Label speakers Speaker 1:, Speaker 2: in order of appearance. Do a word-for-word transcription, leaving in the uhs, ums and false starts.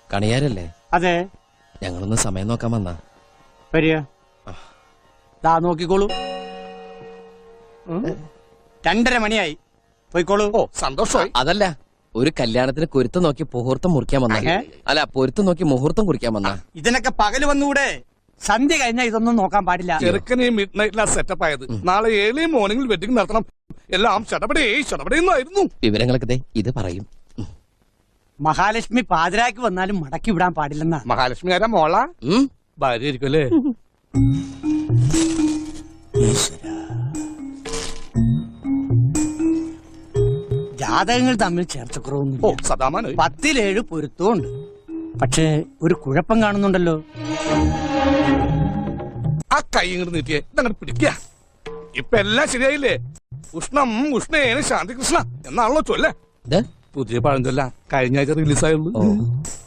Speaker 1: കണിയാരല്ലേ?
Speaker 2: അതെ.
Speaker 1: ഞങ്ങളൊന്ന് സമയം നോക്കാൻ വന്നാ.
Speaker 2: വരിക. ദാ നോക്കിക്കോളൂ. രണ്ടര മണിയായി. പോയിക്കോളൂ.
Speaker 3: ഓ സന്തോഷമായി.
Speaker 1: അതല്ല, ഒരു കല്യാണത്തിന് കുരുത്തം നോക്കി മുഹൂർത്തം മുറിക്കാൻ വന്ന. അല്ല, പൊരുത്തം നോക്കി മുഹൂർത്തം കുറിക്കാൻ വന്ന.
Speaker 2: ഇതിനൊക്കെ പകല് വന്നുകൂടെ? സന്ധ്യ കഴിഞ്ഞാൽ ഇതൊന്നും നോക്കാൻ പാടില്ല.
Speaker 3: ചെറുക്കനെ മിഡ് നൈറ്റിലാ സെറ്റപ്പ് ആയത്. നാളെ ഏഴ് മോർണിംഗിൽ വെഡിങ് നടത്തണം. എല്ലാം ചടപടേ ചടപടേന്നായിരുന്നു.
Speaker 1: വിവരങ്ങളൊക്കെ ഇത് പറയും.
Speaker 2: മഹാലക്ഷ്മി പാതിരാക്ക് വന്നാലും മടക്കി വിടാൻ പാടില്ലെന്നാ.
Speaker 3: മഹാലക്ഷ്മി ആരാ? മോള ഭാര്യ ആയിരിക്കും അല്ലേ?
Speaker 2: ജാതകങ്ങൾ തമ്മിൽ ചേർച്ചക്കുറവൊന്നും.
Speaker 3: ഓ സദാമാനം.
Speaker 2: പത്തിലേഴ് പൊരുത്തവും ഉണ്ട്. പക്ഷേ ഒരു കുഴപ്പം കാണുന്നുണ്ടല്ലോ.
Speaker 3: ആ കൈ ഇങ്ങോട്ട് നീട്ടിയേ, ഇതങ്ങോട്ട് പിടിക്കുക. ഇപ്പൊ എല്ലാം ശരിയായില്ലേ? ഉഷ്ണം ഉഷ്ണേന ശാന്തി കൃഷ്ണ എന്നാണല്ലോ ചൊല്ലേ. പുതിയ പഴഞ്ചൊല്ല കഴിഞ്ഞ ആഴ്ച റിലീസായുള്ളൂ.